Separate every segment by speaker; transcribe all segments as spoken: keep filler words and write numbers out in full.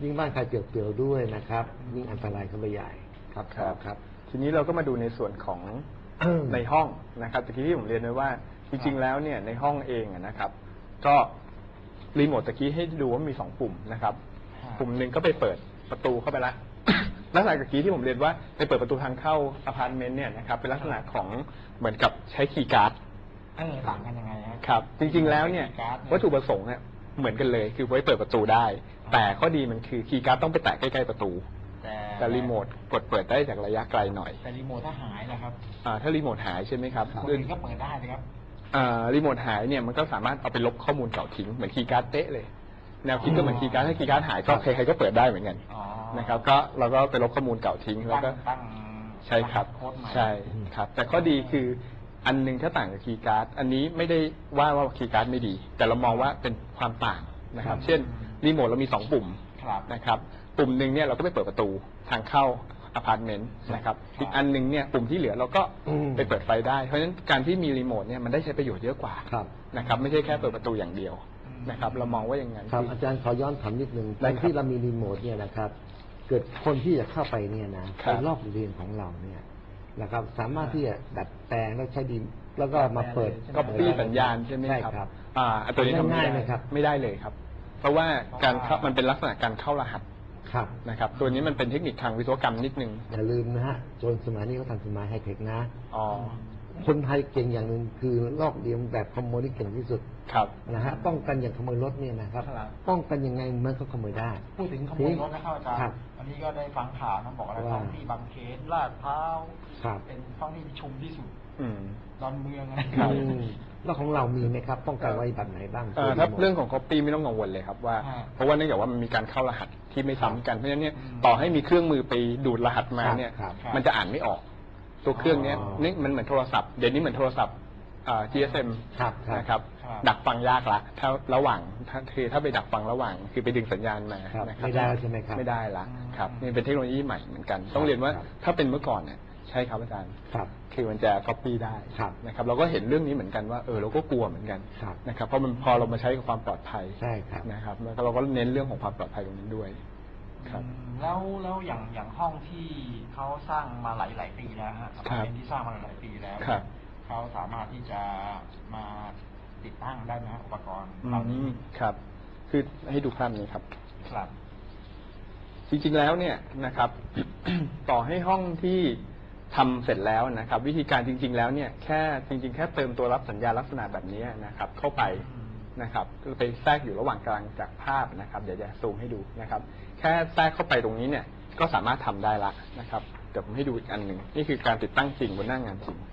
Speaker 1: ยิ่งบ้านใครเปลี่ยวๆด้วยนะครับยิ่งอันตรายเข้าไปใหญ่ครับ
Speaker 2: ครับ
Speaker 1: ครับ
Speaker 2: ทีนี้เราก็มาดูในส่วนของ ในห้องนะครับตะกี้ที่ผมเรียนไว้ว่าจริงๆแล้วเนี่ยในห้องเองนะครับ ก็รีโมทตะกี้ให้ดูว่ามีสองปุ่มนะครับปุ่มหนึ่งก็ไปเปิดประตูเข้าไปละลักษณะตะกี้ที่ผมเรียนว่าไปเปิดประตูทางเข้าอพาร์ตเมนต์เนี่ยนะครับเป็นลักษณะของเหมือนกับใช้คีย์การ์ด
Speaker 3: เออต่างกันยังไง
Speaker 2: ครับ จริงๆแล้วเนี่ยวัตถุประสงค์เนี่ยเหมือนกันเลยคือไว้เปิดประตูได้แต่ข้อดีมันคือคีย์การ์ดต้องไปแตะใกล้ๆประตูแต่รีโมทกดเปิดได้จากระยะไกลหน่อย
Speaker 3: แต่รีโมทถ้าหายนะครับ
Speaker 2: อ่าถ้ารีโมทหายใช่ไหมครับ
Speaker 3: คนอื่นก็เปิดได้นะครับ
Speaker 2: อ่ารีโมทหายเนี่ยมันก็สามารถเอาไปลบข้อมูลเก่าทิ้งเหมือนคีย์การ์ดเป๊ะเลยแนวคิดก็เหมือนคีย์การ์ดถ้าคีย์การ์ดหายก็ใครๆก็เปิดได้เหมือนกันนะครับก็เราก็ไปลบข้อมูลเก่าทิ้งแล้วก็ใช่ครับใช่ครับแต่ข้อดีคืออันนึงถ้าต่างกับคีย์การ์ดอันนี้ไม่ได้ว่าว่าคีย์การ์ดไม่ดีแต่เรามองว่าเป็นความต่างนะครับเช่นรีโมทเรามีสองปุ่มนะครับปุ่มหนึ่งเนี่ยเราก็ไปเปิดประตูทางเข้าอพาร์ตเมนต์นะครับอีกอันหนึ่งเนี่ยปุ่มที่เหลือเราก็ไปเปิดไฟได้เพราะฉะนั้นการที่มีรีโมทเนี่ยมันได้ใช้ประโยชน์เยอะกว่านะครับไม่ใช่แค่เปิดประตูอย่างเดียวนะครับเรามองว่าอย่างนั้น
Speaker 1: ครับอาจารย์ขอย้อนถามนิดนึงตอนที่เรามีรีโมทเนี่ยนะครับเกิดคนที่จะเข้าไปเนี่ยนะไปรอบเรียนของเราเนี่ยนะครับสามารถที่จะดัดแปลงแล้วใช้ดีแล้วก็มาเปิด
Speaker 2: ก๊อปปี้สัญญาณใช่ไหมครับอ่าตัวนี้ทำไม่ได้ครับไม่ได้เลยครับเพราะว่าการเข้ามันเป็นลักษณะการเข้ารหัสนะครับตัวนี้มันเป็นเทคนิคทางวิศวกรรมนิดนึง
Speaker 1: อย่าลืมนะฮะโจรสมัยนี้เขาทำสมัยไฮเทคนะอ๋อคนไทยเก่งอย่างหนึ่งคือลอกเลียนแบบขโมยที่เก่งที่สุด
Speaker 2: ครับ
Speaker 1: นะฮะป้องกันอย่างขโมยรถเนี่ยนะครับป้องกันยังไงเมื่อเขาขโมยได้
Speaker 3: พูดถึงขโมยรถนะครับอาจารย์อันนี้ก็ได้ฟังข่าวนะบอกอะไรท้องที่บางเขนลาดพร้าวเป็นท้องที่ชุมที่สุดดอนเมืองนะครับ
Speaker 1: แล้วของเรามีไหมครับป้องกันไว้แบบไหนบ้าง
Speaker 2: ถ้าเรื่องของ copy ไม่ต้องกังวลเลยครับว่าเพราะว่าเนื่องจากว่ามันมีการเข้ารหัสที่ไม่ซ้ำกันเพราะฉะนั้นเนี่ยต่อให้มีเครื่องมือไปดูดรหัสมาเนี่ยมันจะอ่านไม่ออกตัวเครื่องนี้นี่มันเหมือนโทรศัพท์เดี๋ยวนี้เหมือนโทรศัพท์ จี เอส เอ็ม นะครับดักฟังยากละถ้าระหว่างถ้าคือถ้าไปดักฟังระหว่างคือไปดึงสัญญาณมา
Speaker 1: นะครับไม่ได้ใช่ไหมครับ
Speaker 2: ไม่ได้ละครับนี่เป็นเทคโนโลยีใหม่เหมือนกันต้องเรียนว่าถ้าเป็นเมื่อก่อนเนี่ยใช่ครับอาจารย์
Speaker 1: ครับ
Speaker 2: คือมันจะ copy ได้นะครับเราก็เห็นเรื่องนี้เหมือนกันว่าเออเราก็กลัวเหมือนกันนะครับเพราะมันพอเรามาใช้กับความปลอดภัย
Speaker 1: ใช่ครับ
Speaker 2: นะครับแล้วเราก็เน้นเรื่องของความปลอดภัยตรงนี้ด้วย
Speaker 3: ครับแล้วแล้วอย่างอย่างห้องที่เขาสร้างมาหลายหลายปีแล้วฮะอพาร์ตเมนต์ที่สร้างมาหลายปีแล้วเขาสามารถที่จะมาติดตั้งได้ไหมอุปกรณ์เหล่านี้
Speaker 2: ครับคือให้ดูภาพนี้ครับ
Speaker 3: ครับ
Speaker 2: จริงๆแล้วเนี่ยนะครับ ต่อให้ห้องที่ทำเสร็จแล้วนะครับวิธีการจริงๆแล้วเนี่ยแค่จริงๆแค่เติมตัวรับสัญญาณลักษณะแบบนี้นะครับเข้าไปนะครับไปแทรกอยู่ระหว่างกลางจากภาพนะครับเดี๋ยวจะซูมให้ดูนะครับแค่แทรกเข้าไปตรงนี้เนี่ยก็สามารถทำได้ละนะครับเดี๋ยวผมให้ดูอีกอันหนึ่งนี่คือการติดตั้งจริงบนหน้างานจริง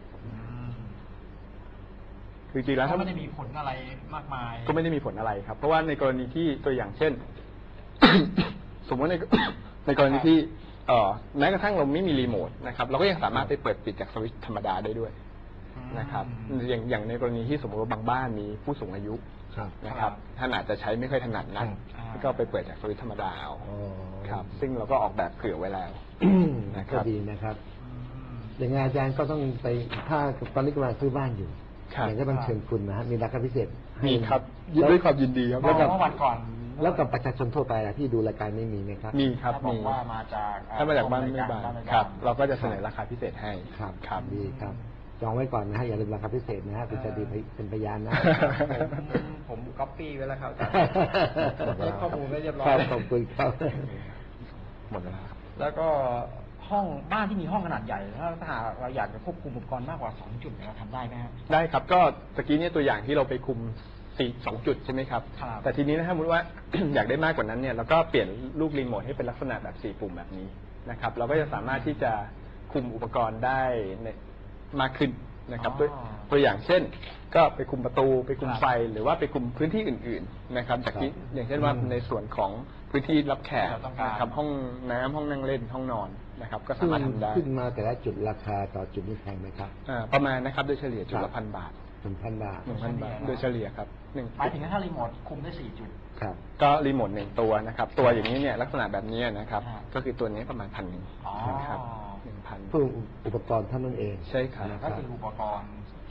Speaker 2: คือจริงแล้วถ้า
Speaker 3: ไม่ได้มีผลอะไรมากมาย
Speaker 2: ก็ไม่ได้มีผลอะไรครับเพราะว่าในกรณีที่ตัวอย่างเช่น สมมติในในกรณีที่เอ่อแม้กระทั่งเราไม่มีรีโมทนะครับเราก็ยังสามารถไปเปิดปิดจากสวิตช์ธรรมดาได้ด้วยนะครับอย่างอย่างในกรณีที่สมมติว่าบางบ้านมีผู้สูงอายุนะครับท่านอาจจะใช้ไม่ค่อยถนัดนักก็ไปเปิดจากสวิตช์ธรรมดาเอาครับซึ่งเราก็ออกแบบเผื่อไว้แล้ว
Speaker 1: ก็ดีนะครับอย่างงานอาจารย์ก็ต้องไปถ้าตอนนี้กำลังซื้อบ้านอยู่อยากจะบังเชิญคุณนะฮะมีราคาพิเศษ
Speaker 2: มีครับด้วยความยินดีครับ
Speaker 3: แล้วกับวันก่อน
Speaker 1: แล้วกับประชาชนทั่วไปที่ดูรายการไม่มีไหมครับ
Speaker 2: มีครับ
Speaker 3: มีว่ามาจาก
Speaker 2: ถ้ามาจากบ้านไม่บ้านครับเราก็จะเสนอราคาพิเศษให้
Speaker 1: ครับครับดีครับจองไว้ก่อนนะฮะอย่าลืมราคาพิเศษนะฮะคุณจะดีเป็นพยานนะ
Speaker 3: ผมก๊อปปี้ไว้แล้วครับได้ข้อมูลไว้เรียบร้อย
Speaker 1: ขอบคุณครับ
Speaker 2: หมดแล้วครับ
Speaker 3: แล้วก็ห้องบ้านที่มีห้องขนาดใหญ่ถ้าหากเราอยากจะควบคุมอุปกรณ์มากกว่าสองจุดเราทำได้ไหมครับ
Speaker 2: ได้ครับก็ตะกี้เนี่ยตัวอย่างที่เราไปคุมสี่สองจุดใช่ไหมครับแต่ทีนี้นะถ้าสมมติว่า อยากได้มากกว่านั้นเนี่ยเราก็เปลี่ยนลูกรีโมทให้เป็นลักษณะแบบสี่ปุ่มแบบนี้นะครับเราก็จะสามารถที่จะคุมอุปกรณ์ได้มากขึ้นนะครับตัวตัวอย่างเช่นก็ไปคุมประตูไปคุมไฟหรือว่าไปคุมพื้นที่อื่นๆนะครับจากที่อย่างเช่นว่าในส่วนของพื้นที่รับแขกนะครับห้องน้ำห้องนั่งเล่นห้องนอนนะครับก็สามารถทำได้
Speaker 1: ขึ้นมาแต่ละจุดราคาต่อจุดนี้แพงไหมครับ
Speaker 2: ประมาณนะครับโดยเฉลี่ยจุดละพันบาท
Speaker 1: หนึ่งพันบาท
Speaker 2: หนึ่งพันบาทโดยเฉลี่ยครับหนึ่ง
Speaker 3: หมายถึงถ้ารีโมทคุมได้สี่จุด
Speaker 2: ครับก็รีโมทหนึ่งตัวนะครับตัวอย่างนี้เนี่ยลักษณะแบบนี้นะครับก็คือตัวนี้ประมาณพันหนึ่งนะครับหนึ่งพัน
Speaker 1: เพื่ออุปกรณ์เท่านั้นเอง
Speaker 2: ใช่ครับ
Speaker 3: ก็คืออุปกรณ์ท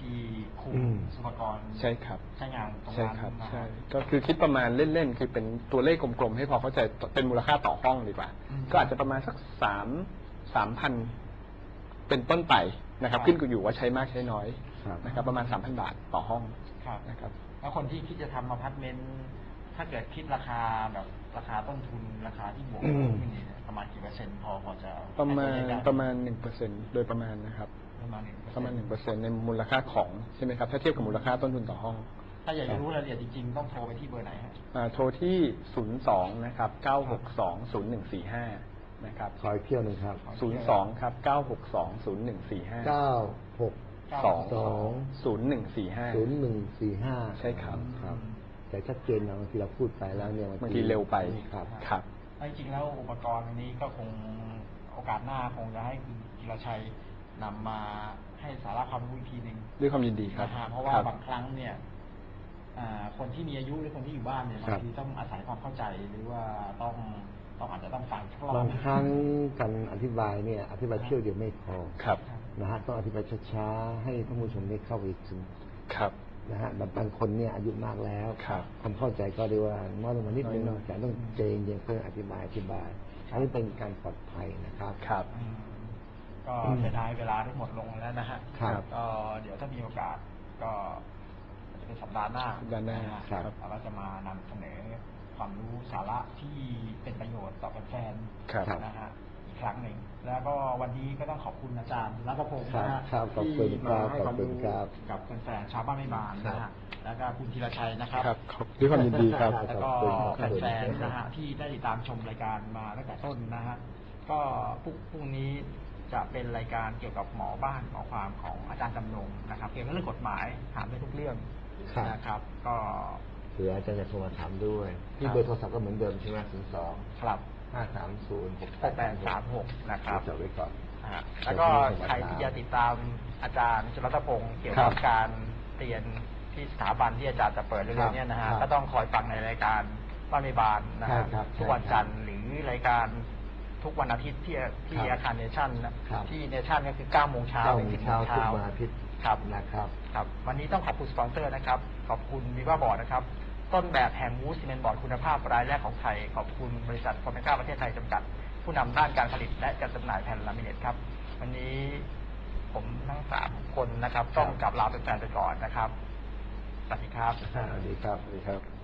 Speaker 3: ที่คุม
Speaker 1: อืม
Speaker 3: สุภกร
Speaker 2: ใช่ครับ
Speaker 3: ใช้งานตรง
Speaker 2: ใช่
Speaker 3: นั้น
Speaker 2: ครับ
Speaker 3: นะ
Speaker 2: ใช่
Speaker 3: ฮะ
Speaker 2: ก็คือคิดประมาณเล่นๆคือเป็นตัวเลขกลมๆให้พอเข้าใจเป็นมูลค่าต่อห้องดีกว่า
Speaker 3: อืม
Speaker 2: ก็อาจจะประมาณสักสามสามพันเป็นต้นไปนะครับ
Speaker 3: ครับ
Speaker 2: ขึ้นอยู่ว่าใช้มากใช้น้อย
Speaker 1: ครับ
Speaker 2: นะครับ ประมาณสามพันบาทต่อห้อง
Speaker 3: ครับ
Speaker 2: นะครับ
Speaker 3: แล้วคนที่คิดจะทำอพาร์ตเมนต์ถ้าเกิดคิดราคาแบบราคาต้นทุนราคาที่บวก
Speaker 1: อืม
Speaker 3: ขึ้นนี่เนี่ยประมาณกี่เปอร์เซ็นต์พอพอจะ
Speaker 2: ประมาณ
Speaker 3: ให้ตัวเลขได้
Speaker 2: ประมาณหนึ่งเปอร์เซ็นโดยประมาณนะครับ
Speaker 3: ประมาณหนึ่ง
Speaker 2: ประมาณหนึ่งเปอร์เซ็นในมูลค่าของใช่ไหมครับ ถ้าเทียบกับมูลค่าต้นทุนต่อห้อง
Speaker 3: ถ้าอยากจะรู้รายละเอียดจริงๆต้องโทรไปที่เบอร์ไหนฮะ
Speaker 2: อ่าโทรที่ศูนย์สองนะครับเก้าหกสองศูนย์หนึ่งสี่ห้านะครับ
Speaker 1: ขออีกเที่ยวหนึ่งครับ
Speaker 2: ศูนย์สองครับเก้าหกสองศูนย์หนึ่งสี่ห้า
Speaker 1: เก้าหก
Speaker 2: สอง
Speaker 1: สอง
Speaker 2: ศูนย์หนึ่งสี่ห้า
Speaker 1: ศูนย์หนึ่งสี่ห้า
Speaker 2: ใช่ครับ
Speaker 1: ครับ แต่ชัดเจนนะบางทีเราพูดไปแล้วเนี่ย
Speaker 2: บางทีเร็วไป
Speaker 1: ครับ
Speaker 2: ครับ
Speaker 3: จริงๆแล้วอุปกรณ์อันนี้ก็คงโอกาสหน้าคงจะให้คุณธีรชัยนำมาให้สาระความรู้อีกทีหนึ่ง
Speaker 2: ด้วยความยินดีครับ
Speaker 3: นะฮะเพราะว่า
Speaker 2: ครับ
Speaker 3: บางครั้งเนี่ยอ่าคนที่มีอายุหรือคนที่อยู่บ้านเนี่ย
Speaker 1: ครับ
Speaker 3: บางทีต้องอาศัยความเข้าใจหรือว่าต้องต้องอาจจะต้องฟังทดลอง
Speaker 1: บางครั้งการอธิบายเนี่ย อธิบายเที่ยวเดียวไม่พอ
Speaker 2: ครับ
Speaker 1: นะฮะต้องอธิบายช้าๆให้ท่านผู้ชมได้เข้าไปถึง
Speaker 2: ครับ
Speaker 1: นะฮะบางคนเนี่ยอายุมากแล้ว
Speaker 2: ครับ
Speaker 1: ความเข้าใจก็เรียกว่าน้อยลงมานิดนึง
Speaker 2: น้อยลง
Speaker 1: แต่ต้องเจนเย็นเพื่ออธิบายอธิบายอันนี้เป็นการปลอดภัยนะครับ
Speaker 2: ครับ
Speaker 3: อืมก็เสียดายเวลาที่หมดลงแล้วนะฮะ
Speaker 1: ครับ
Speaker 3: ก็เดี๋ยวถ้ามีโอกาสก็จะเป็นสัปดาห์หน้า
Speaker 2: สัปดาห์หน้า
Speaker 3: ะฮะ
Speaker 1: ครับ
Speaker 3: เราก็จะมานำเสนอความรู้สาระที่เป็นประโยชน์ต่อแฟน
Speaker 2: ครับ
Speaker 3: ๆนะฮะอีกครั้งหนึ่ง แล้วก็วันนี้ก็ต้องขอบคุณอาจารย์รัตพงศ์
Speaker 1: ครับ
Speaker 3: นะฮะ
Speaker 1: ครับขอบคุณ
Speaker 3: ที่
Speaker 1: ครั
Speaker 3: มา
Speaker 1: บ
Speaker 3: ให้
Speaker 1: ขอบ
Speaker 3: ความ
Speaker 1: คุณ
Speaker 3: รู้
Speaker 1: ครับ
Speaker 3: กับแฟนๆชาวบ้านไม่บานนะฮะแล้วก็คุณธีรชัยนะครับ
Speaker 2: ครับขอบด้วยความยินดีครับ
Speaker 3: แล้วก็
Speaker 1: ขอบคุณครับ
Speaker 3: แฟนๆนะฮะที่ได้ติดตามชมรายการมาตั้งแต่ต้นนะฮะก็พรุ่งพรุ่งนี้จะเป็นรายการเกี่ยวกับหมอบ้านหมอความของอาจารย์จำนงนะครับเกี่ยวกับเรื่องกฎหมายถามได้ทุกเรื่อง
Speaker 1: ครับ
Speaker 3: นะครับ ก็
Speaker 1: เผื่ออาจารย์จะโทรมาถามด้วย ที่
Speaker 3: ครับ
Speaker 1: เบอร์โทรศัพท์ก็เหมือนเดิมใช่ไหมศูนย์สอง
Speaker 3: ครับ
Speaker 1: ห้าสามศูนย์หก
Speaker 3: แปดแปดสามหกนะครับ
Speaker 1: จดไว้ก่อน
Speaker 3: นะฮะแล้วก็ใครที่จะติดตามอาจารย์จุลรัตพงศ์เกี่ยว
Speaker 1: ครั
Speaker 3: กับบ การเรียนที่สถาบันที่อาจารย์จะเปิดเร็วๆเนี้นะฮะ
Speaker 1: ครับ
Speaker 3: ก็ต้องคอยฟังในรายการบ้านไม่บานนะ
Speaker 1: ใช่
Speaker 3: ฮะ
Speaker 1: ครับ
Speaker 3: ทุกวันจันทร์หรือรายการทุกวันอาทิตย์ที่ที่
Speaker 1: ครับ
Speaker 3: อาคารเนชั่นนะครับ ที่เนชั่นก็คือเก้าโมงเช้า
Speaker 1: เก้า
Speaker 3: ถึง
Speaker 1: โม
Speaker 3: สิ
Speaker 1: ง
Speaker 3: บโม
Speaker 1: เช้าง ทุก
Speaker 3: เช้า
Speaker 1: วันอาทิตย์
Speaker 3: ครับ
Speaker 1: นะครับ
Speaker 3: ครับ วันนี้ต้องขอบคุณสปอนเซอร์นะครับ ขอบคุณวีว่าบอร์ดนะครับ ต้นแบบแห่งวูดซีเมนต์บอร์ดคุณภาพรายแรกของไทย ขอบคุณบริษัทฟอร์เมก้าประเทศไทยจำกัด ผู้นำด้านการผลิตและการจำหน่ายแผ่นลามิเนตครับ วันนี้ผมทั้งสามคนนะครับ ต้องกลับลาเป็นแฟนไปก่อนนะครับ สวัสดีครับ
Speaker 1: สวัสดีครับ
Speaker 2: สวัสดีครับ